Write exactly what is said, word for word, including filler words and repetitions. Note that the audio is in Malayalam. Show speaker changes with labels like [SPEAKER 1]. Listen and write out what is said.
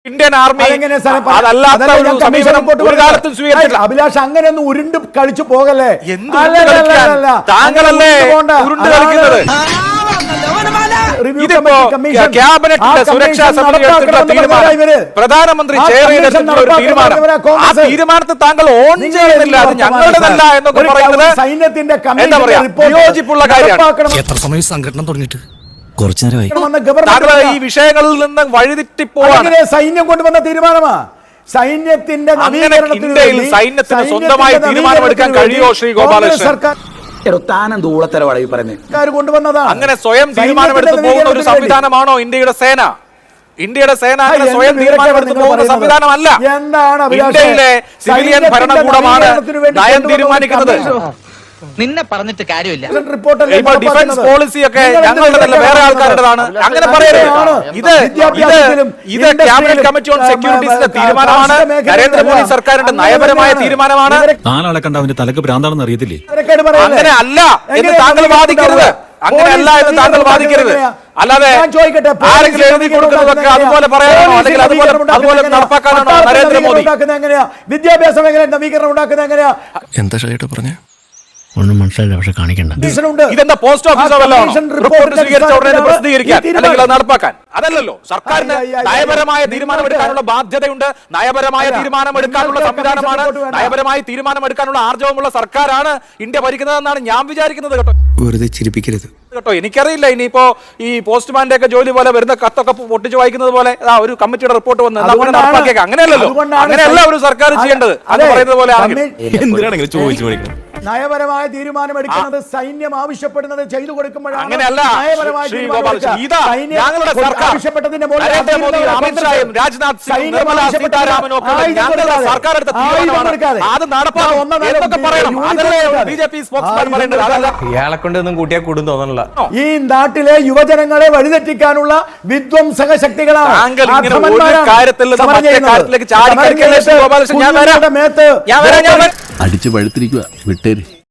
[SPEAKER 1] ഇന്ത്യൻ ആർമി അതല്ലാത്ത ഒരു സമീപനം ഒരു കാലത്തും സ്വീകരിച്ചില്ല.
[SPEAKER 2] അഭിലാഷ് അങ്ങനെയൊന്നും ഉരുണ്ട് കളിച്ചു പോകല്ലേ.
[SPEAKER 1] താങ്കളല്ലേ ഉരുണ്ട് കളിക്കുന്നത്? ഇതിപ്പോ ക്യാബിനറ്റിന്റെ സുരക്ഷാ സമിതി എടുത്തിട്ടുള്ള തീരുമാനം, പ്രധാനമന്ത്രി ചെയർ ചെയ്തിട്ടുള്ള ഒരു തീരുമാനം, ആ തീരുമാനത്തെ താങ്കൾ ഓൺ ചെയ്യുന്നില്ല. അത് ഞങ്ങളുടെതല്ല എന്നൊക്കെ പറയുന്നത്
[SPEAKER 2] സൈന്യത്തിന്റെ
[SPEAKER 1] എന്താ പറയാ, വിയോജിപ്പുള്ള കാര്യമാണ്.
[SPEAKER 3] എത്ര സമയം സംഘടന തുടങ്ങിയിട്ട് കുറച്ചു നേരമായി.
[SPEAKER 1] താങ്കൾ ഈ വിഷയങ്ങളിൽ നിന്ന് വഴിതെറ്റിപ്പോവാണ്.
[SPEAKER 2] സൈന്യം കൊണ്ടുവന്ന തീരുമാനമാ. സൈന്യത്തിന്റെ
[SPEAKER 1] ഇന്ത്യയിൽ സൈന്യത്തിന് സ്വന്തമായി തീരുമാനമെടുക്കാൻ കഴിയുമോ ശ്രീ ഗോപാലകൃഷ്ണൻ? അങ്ങനെ സ്വയം തീരുമാനമെടുത്ത് പോകുന്ന ഒരു സംവിധാനമാണോ ഇന്ത്യയുടെ സേന? ഇന്ത്യയുടെ സേന അങ്ങനെ സ്വയം തീരുമാനമെടുത്ത് പോകുന്ന സംവിധാനമല്ല. ഇന്ത്യയിലെ സിവിലിയൻ ഭരണകൂടമാണ് നയം തീരുമാനിക്കുന്നത്.
[SPEAKER 4] നിന്നെ പറഞ്ഞിട്ട് കാര്യമില്ല.
[SPEAKER 1] ഇപ്പൊ ഡിഫൻസ് പോളിസി ഒക്കെ ഞങ്ങളുടെതല്ല, വേറെ ആൾക്കാരുടേതാണ്. അങ്ങനെ പറയരുത്. ഇത് ഇത് ഇത് ക്യാബിനറ്റ് കമ്മിറ്റി ഓൺ സെക്യൂരിറ്റീസിന്റെ തീരുമാനമാണ്. നരേന്ദ്രമോദി സർക്കാരിന്റെ നയപരമായ തീരുമാനമാണ്.
[SPEAKER 3] നാലാളെ കണ്ട അവന്റെ തലക്ക് ഭ്രാന്താണെന്ന് അറിയത്തില്ലേ?
[SPEAKER 1] അങ്ങനെ അല്ല എന്ന് താങ്കൾ വാദിക്കരുത്. അങ്ങനെയല്ല എന്ന് താങ്കൾ വാദിക്കരുത്. അല്ലാതെ ആരെങ്കിലും എഴുതി കൊടുക്കുന്നതൊക്കെ അതുപോലെ പറയാനാണോ, അല്ലെങ്കിൽ അതുപോലെ അതുപോലെ നടപ്പാക്കാനാണോ നരേന്ദ്രമോദി?
[SPEAKER 2] വിദ്യാഭ്യാസ മേഖല നവീകരണം ഉണ്ടാക്കുന്നത് എങ്ങനെയാ?
[SPEAKER 3] എന്താ ഷൈട്ട് പറഞ്ഞേ?
[SPEAKER 5] ഒന്നും മനസ്സിലായില്ല, പക്ഷെ കാണിക്കണ്ട.
[SPEAKER 1] ഇതെന്താ പോസ്റ്റ് ഓഫീസോ റിപ്പോർട്ട് സ്വീകരിച്ച ഉടനെ പ്രസിദ്ധീകരിക്കാൻ അല്ലെങ്കിൽ അത് നടപ്പാക്കാൻ? അതല്ലല്ലോ. സർക്കാരിന് നയപരമായ തീരുമാനമെടുക്കാനുള്ള ബാധ്യതയുണ്ട്. നയപരമായ തീരുമാനമെടുക്കാനുള്ള സംവിധാനമാണ്, നയപരമായ തീരുമാനമെടുക്കാനുള്ള ആർജവമുള്ള സർക്കാരാണ് ഇന്ത്യ ഭരിക്കുന്നതെന്നാണ് ഞാൻ വിചാരിക്കുന്നത്. കേട്ടോ,
[SPEAKER 3] വെറുതെ ചിരിപ്പിക്കരുത്
[SPEAKER 1] കേട്ടോ. എനിക്കറിയില്ല, ഇനിയിപ്പോ ഈ പോസ്റ്റ്മാന്റെ ഒക്കെ ജോലി പോലെ വരുന്ന കത്തൊക്കെ പൊട്ടിച്ചു വായിക്കുന്നത് പോലെ ഒരു കമ്മിറ്റിയുടെ റിപ്പോർട്ട് വന്ന് നടപ്പാക്കിയേക്കാം. അങ്ങനെയല്ലല്ലോ. അങ്ങനെയല്ല ഒരു സർക്കാർ ചെയ്യേണ്ടത്. അത് പറയുന്നത് പോലെ
[SPEAKER 3] എന്തിനാണെങ്കിലും ചോദിച്ചു മേടിക്കണം.
[SPEAKER 2] നയപരമായ തീരുമാനം എടുക്കുന്നത് സൈന്യം ആവശ്യപ്പെടുന്നത് ചെയ്തു കൊടുക്കുമ്പോഴാണ്.
[SPEAKER 1] അങ്ങനെയല്ല ശ്രീ ഗോപാലകൃഷ്ണൻ, ഇതാ ഞങ്ങളുടെ സർക്കാർ
[SPEAKER 2] ആവശ്യപ്പെട്ടതിന്റെ
[SPEAKER 1] നരേന്ദ്രമോദി, അമിത്ഷായും രാജ്നാഥ് സിംഗും നിർമ്മലാ സീതാരാമനും ഒക്കെ ഞങ്ങളുടെ സർക്കാർ എടുത്ത തീരുമാനമാണ്. അത് നടപ്പാക്കും എന്നൊക്കെ പറയണം. അതല്ലേ ബി ജെ പി സ്പോക്സ്മാൻ പറയേണ്ടത്. അതല്ല
[SPEAKER 6] ഇയാളെ കൊണ്ട് ഒന്നും കൂട്ടിയാൽ കൂടും തോന്നണില്ല.
[SPEAKER 2] ഈ നാട്ടിലെ യുവജനങ്ങളെ വഴിതെറ്റിക്കാനുള്ള വിധ്വംസക ശക്തികളാണ്.
[SPEAKER 1] താങ്കൾ ഇങ്ങനെ ഒരു കാര്യത്തിൽ നിന്ന് മറ്റേ കാര്യത്തിലേക്ക് ചാടി കളിക്കല്ലേ ശ്രീ ഗോപാലകൃഷ്ണൻ? ഞാൻ വരാം, ഞാൻ വരാം, ഞാൻ വരാം.
[SPEAKER 5] അടിച്ചു പഴുത്തിരിക്കുക, വിട്ടേര്.